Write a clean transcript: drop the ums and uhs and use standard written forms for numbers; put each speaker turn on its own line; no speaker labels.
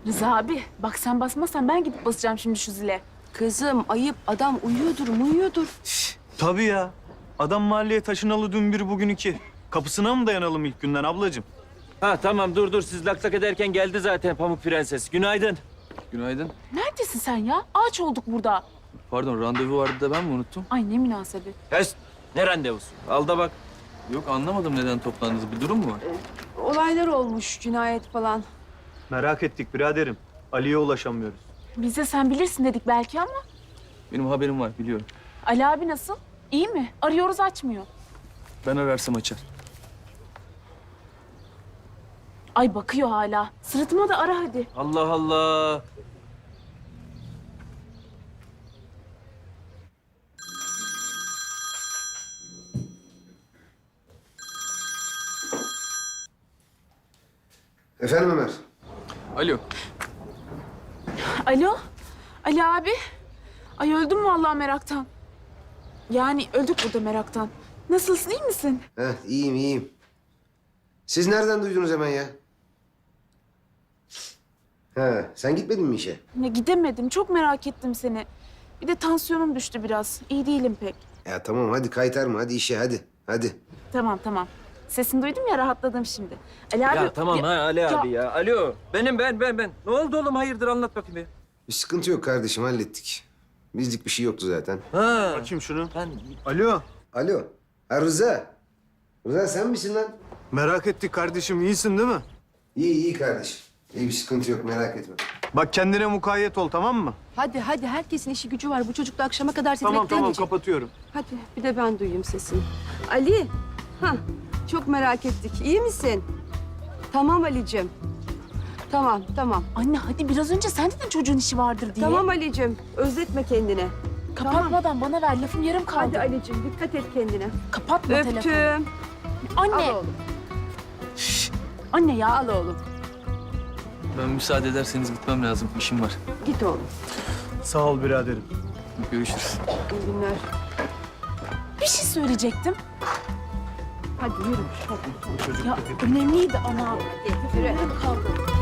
Rıza abi bak sen basmazsan ben gidip basacağım şimdi şu zile.
Kızım ayıp, adam uyuyordur.
Tabii ya. Adam mahalleye taşınalı dün bir bugün iki. Kapısına mı dayanalım ilk günden ablacığım?
Ha tamam dur siz lak lak ederken geldi zaten Pamuk Prenses. Günaydın.
Günaydın.
Neredesin sen ya? Ağaç olduk burada.
Pardon, randevu vardı da ben mi unuttum?
Ay ne münasebet.
Hes, ne randevusu? Al da bak.
Yok, anlamadım neden toplandınız. Bir durum mu var?
Olaylar olmuş, cinayet falan.
Merak ettik biraderim. Ali'ye ulaşamıyoruz.
Biz de sen bilirsin dedik belki ama.
Benim haberim var, biliyorum.
Ali abi nasıl? İyi mi? Arıyoruz açmıyor.
Ben ararsam açar.
Ay bakıyor hala. Sırtıma da ara hadi.
Allah Allah.
Efendim Ömer?
Alo.
Alo? Ali abi? Ay öldüm vallahi meraktan. Yani öldük burada meraktan. Nasılsın, iyi misin?
Heh, iyiyim. Siz nereden duydunuz hemen ya? Ha, sen gitmedin mi işe?
Ya gidemedim, çok merak ettim seni. Bir de tansiyonum düştü biraz. İyi değilim pek.
Ya tamam hadi kaytarma, hadi işe hadi.
Tamam. Sesini duydum ya rahatladım şimdi. Ali abi...
Ya tamam ha Ali abi ya. Alo. Benim ben. Ne oldu oğlum? Hayırdır anlat bakayım bir.
Bir sıkıntı yok kardeşim, hallettik. Bizlik bir şey yoktu zaten.
Ha.
Bakayım şunu.
Ben
Alo.
Alo, ha Rıza. Rıza sen misin lan?
Merak ettik kardeşim. İyisin değil mi?
İyi kardeşim. İyi bir sıkıntı yok, merak etme.
Bak kendine mukayyet ol tamam mı?
Hadi herkesin işi gücü var. Bu çocuk da akşama kadar seni
Tamam
bekleyemeyecek.
kapatıyorum.
Hadi bir de ben duyayım sesini. Ali, çok merak ettik. İyi misin? Tamam Ali'cim. Tamam.
Anne hadi biraz önce sen dedin çocuğun işi vardır diye.
Tamam Ali'cim, özletme kendini.
Kapatmadan bana ver, lafım yarım kaldı.
Hadi Ali'cim, dikkat et kendine.
Kapatma telefonu.
Öptüm.
Anne,
Al oğlum,
anne ya.
al oğlum.
Ben müsaade ederseniz gitmem lazım. İşim var.
Git oğlum.
Sağ ol biraderim.
Görüşürüz.
İyi günler.
Bir şey söyleyecektim.
Hadi yürü. Hadi.
Ya önemliydi ama.
Yürü.
Yarım kaldı.